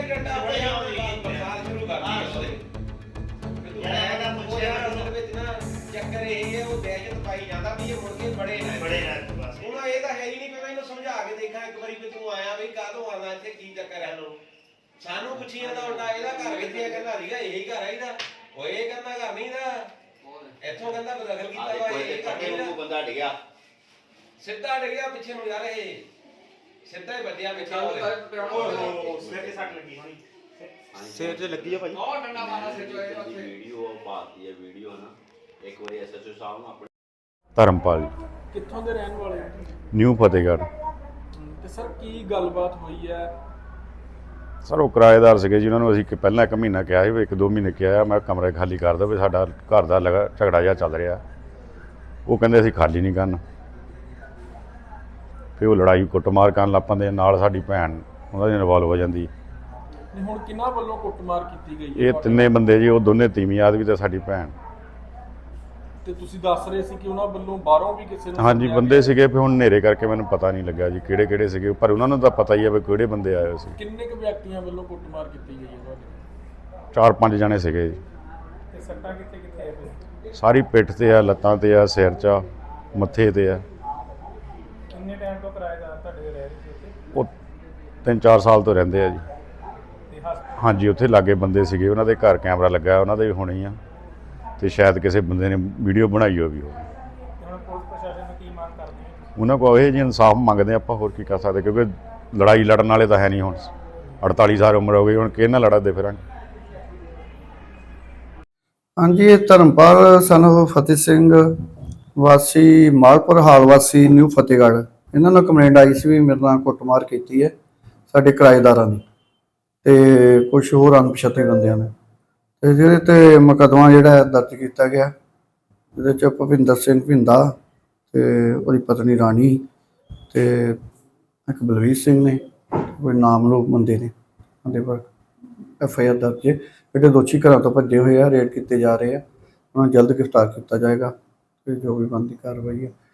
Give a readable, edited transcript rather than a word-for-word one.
ਚੱਕਰ ਇਹ ਹੈ ਉਹ ਦਹਿਸ਼ਤ ਪਾਈ ਜਾਂਦਾ ਵੀ ਇਹ ਮੁੜ ਕੇ ਬੜੇ ਨਾ ਹੁਣ ਇਹ ਤਾਂ ਹੈ ਹੀ ਨਹੀਂ। ਮੈਂ ਇਹਨੂੰ ਸਮਝਾ ਕੇ ਦੇਖਾਂ ਇੱਕ ਵਾਰੀ ਵੀ ਤੂੰ ਆਇਆ ਵੀ ਕਾਹਦੋਂ ਆਉਣਾ ਇੱਥੇ, ਕੀ ਚੱਕਰ ਹੈ। ਸਾਨੂੰ ਪੁੱਛੀ ਜਾਂਦਾ ਉਲਟਾ ਇਹਦਾ ਘਰ ਕਿੱਥੇ ਆ, ਕਹਿੰਦਾ ਸੀਗਾ ਇਹੀ ਘਰ ਹੈ ਇਹਦਾ। ਉਹ ਇਹ ਕਹਿੰਦਾ ਘਰ ਨਹੀਂ ਦਾ, ਇੱਥੋਂ ਕਹਿੰਦਾ ਬਦਲ ਕੀਤਾ ਵਾ, ਇਹ ਘਰ ਨਹੀਂ। ਬੰਦਾ ਡਿੱਗਿਆ, ਸਿੱਧਾ ਡਿੱਗਿਆ ਪਿੱਛੇ ਨੂੰ ਯਾਰ, ਇਹ ਸਿੱਧਾ ਹੀ ਵੱਜਿਆ ਪਿੱਛੇ। ਸਿਰ ਤੇ ਸੱਟ ਲੱਗੀ ਹੋਣੀ, ਸਿਰ 'ਚ ਲੱਗੀ ਆ ਭਾਈ। ਬਹੁਤ ਡੰਡਾ ਮਾਰਾ ਸਿਰ 'ਚ ਉੱਥੇ। ਵੀਡੀਓ ਪਾਤੀ ਹੈ, ਵੀਡੀਓ ਨਾ ਇੱਕ ਵਾਰੀ ਐਸਐਚਓ ਸਾਹਿਬ ਨੂੰ ਆਪਣੇ ਧਰਮਪਾਲ ਜੀ, ਕਿੱਥੋਂ ਦੇ ਰਹਿਣ ਵਾਲੇ ਹੋ? ਨਿਊ ਫਤਿਹਗੜ੍ਹ। ਤੇ ਸਰ ਕੀ ਗੱਲਬਾਤ ਹੋਈ ਹੈ? ਸਰ ਉਹ ਕਿਰਾਏਦਾਰ ਸੀਗੇ ਜੀ, ਉਹਨਾਂ ਨੂੰ ਅਸੀਂ ਪਹਿਲਾਂ 1 ਮਹੀਨਾ ਕਿਹਾ ਸੀ ਵੀ 1-2 ਮਹੀਨੇ ਕਿਹਾ ਮੈਂ ਕਮਰੇ ਖਾਲੀ ਕਰ ਦਿਓ ਵੀ ਸਾਡਾ ਘਰ ਦਾ ਝਗੜਾ ਜਿਹਾ ਚੱਲ ਰਿਹਾ। ਉਹ ਕਹਿੰਦੇ ਅਸੀਂ ਖਾਲੀ ਨਹੀਂ ਕਰਨਾ। ਫਿਰ ਉਹ ਲੜਾਈ ਕੁੱਟਮਾਰ ਕਰਨ ਲੱਗ ਪੈਂਦੇ, ਨਾਲ ਸਾਡੀ ਭੈਣ ਉਹਨਾਂ ਦੀ ਇਨਵੋਲਵ ਹੋ ਜਾਂਦੀ। ਨਹੀਂ ਹੁਣ ਕਿਹਨਾਂ ਵੱਲੋਂ ਕੁੱਟਮਾਰ ਕੀਤੀ ਗਈ ਹੈ? ਇਹ 3 ਬੰਦੇ ਜੀ, ਉਹ ਦੋਨੇ ਤੀਵੀਂ ਆਦਮੀ ਤੇ ਸਾਡੀ ਭੈਣ। ਤੇ ਤੁਸੀਂ ਦੱਸ ਰਹੇ ਸੀ ਕਿ ਉਹਨਾਂ ਵੱਲੋਂ ਬਾਹਰੋਂ ਵੀ ਕਿਸੇ ਨੂੰ? ਹਾਂਜੀ ਬੰਦੇ ਸੀਗੇ, ਫਿਰ ਹੁਣ ਹਨੇਰੇ ਕਰਕੇ ਮੈਨੂੰ ਪਤਾ ਨਹੀਂ ਲੱਗਾ ਜੀ ਕਿਹੜੇ ਸੀਗੇ, ਪਰ ਉਹਨਾਂ ਨੂੰ ਤਾਂ ਪਤਾ ਹੀ ਹੈ ਵੀ ਕਿਹੜੇ ਬੰਦੇ ਆਏ ਹੋਏ ਸੀ। ਕਿੰਨੇ ਕੁ ਵਿਅਕਤੀਆਂ ਵੱਲੋਂ ਕੁੱਟਮਾਰ ਕੀਤੀ ਗਈ ਹੈ ਤੁਹਾਡੇ? 4-5 ਜਣੇ ਸੀਗੇ ਜੀ। ਤੇ ਸੱਟਾਂ ਕਿੱਥੇ ਕਿੱਥੇ ਆ? ਸਾਰੀ ਪਿੱਠ ਤੇ ਆ, ਲੱਤਾਂ ਤੇ ਆ, ਸਿਰ 'ਚ ਆ, ਮੱਥੇ ਤੇ ਆ। ਕਿੰਨੇ ਟਾਈਮ ਤੋਂ ਕਿਰਾਏਦਾਰ ਤੁਹਾਡੇ ਰਹਿ ਰਹੇ ਸੀ ਉੱਥੇ? ਉਹ 3-4 ਸਾਲ ਤੋਂ ਰਹਿੰਦੇ ਆ ਜੀ। ਤੇ ਹਾਂਜੀ ਉੱਥੇ ਲਾਗੇ ਬੰਦੇ ਸੀਗੇ, ਉਹਨਾਂ ਦੇ ਘਰ ਕੈਮਰਾ ਲੱਗਾ, ਉਹਨਾਂ ਦੇ ਵੀ ਹੋਣੇ ਆ, ਤੇ ਸ਼ਾਇਦ ਕਿਸੇ ਬੰਦੇ ਨੇ ਵੀਡੀਓ ਬਣਾਈ ਹੋਵੇ। ਹੁਣ ਪੁਲਿਸ ਪ੍ਰਸ਼ਾਸਨ ਨੂੰ ਕੀ ਮੰਗ ਕਰਦੇ ਹੋ? ਉਹਨਾਂ ਕੋਲ ਇਹ ਜੀ ਇਨਸਾਫ ਮੰਗਦੇ ਆਪਾਂ, ਹੋਰ ਕੀ ਕਰ ਸਕਦੇ, ਕਿਉਂਕਿ ਲੜਾਈ ਲੜਨ ਵਾਲੇ ਤਾਂ ਹੈ ਨਹੀਂ। ਹੁਣ 48 ਸਾਲ ਉਮਰ ਹੋ ਗਈ, ਹੁਣ ਕਿਹਦੇ ਨਾਲ ਲੜਦੇ ਫਿਰਾਂਗੇ। ਹਾਂਜੀ, ਇਹ ਧਰਮਪਾਲ ਸਨ ਫਤਿਹ ਸਿੰਘ ਵਾਸੀ ਮਾਲਪੁਰ ਹਾਲ ਵਾਸੀ ਨਿਊ ਫਤਿਹਗੜ੍ਹ, ਇਹਨਾਂ ਨੂੰ ਕੰਪਲੇਂਟ ਆਈ ਸੀ ਵੀ ਮੇਰੇ ਨਾਲ ਕੁੱਟਮਾਰ ਕੀਤੀ ਹੈ ਸਾਡੇ ਕਿਰਾਏਦਾਰਾਂ ਨੇ ਤੇ ਕੁਝ ਹੋਰ ਅਣਪਛਾਤੇ ਬੰਦਿਆਂ ਨੇ, ਤੇ ਜਿਹਦੇ ਤੇ ਮੁਕੱਦਮਾ ਜਿਹੜਾ ਦਰਜ ਕੀਤਾ ਗਿਆ। ਇਹਦੇ 'ਚ ਭੁਪਿੰਦਰ ਸਿੰਘ ਭਿੰਦਾ ਤੇ ਉਹਦੀ ਪਤਨੀ ਰਾਣੀ ਤੇ ਇੱਕ ਬਲਵੀਰ ਸਿੰਘ ਨੇ, ਕੋਈ ਨਾਮਲੂਮ ਬੰਦੇ ਨੇ, ਉਹਦੇ ਪਰ FIR ਦਰਜ ਹੈ। ਜਿਹੜੇ ਦੋਸ਼ੀ ਘਰਾਂ ਤੋਂ ਭੱਜੇ ਹੋਏ ਆ, ਰੇਡ ਕੀਤੇ ਜਾ ਰਹੇ ਆ, ਉਹਨਾਂ ਨੂੰ ਜਲਦ ਗ੍ਰਿਫਤਾਰ ਕੀਤਾ ਜਾਏਗਾ ਤੇ ਜੋ ਵੀ ਬਣਦੀ ਕਾਰਵਾਈ ਹੈ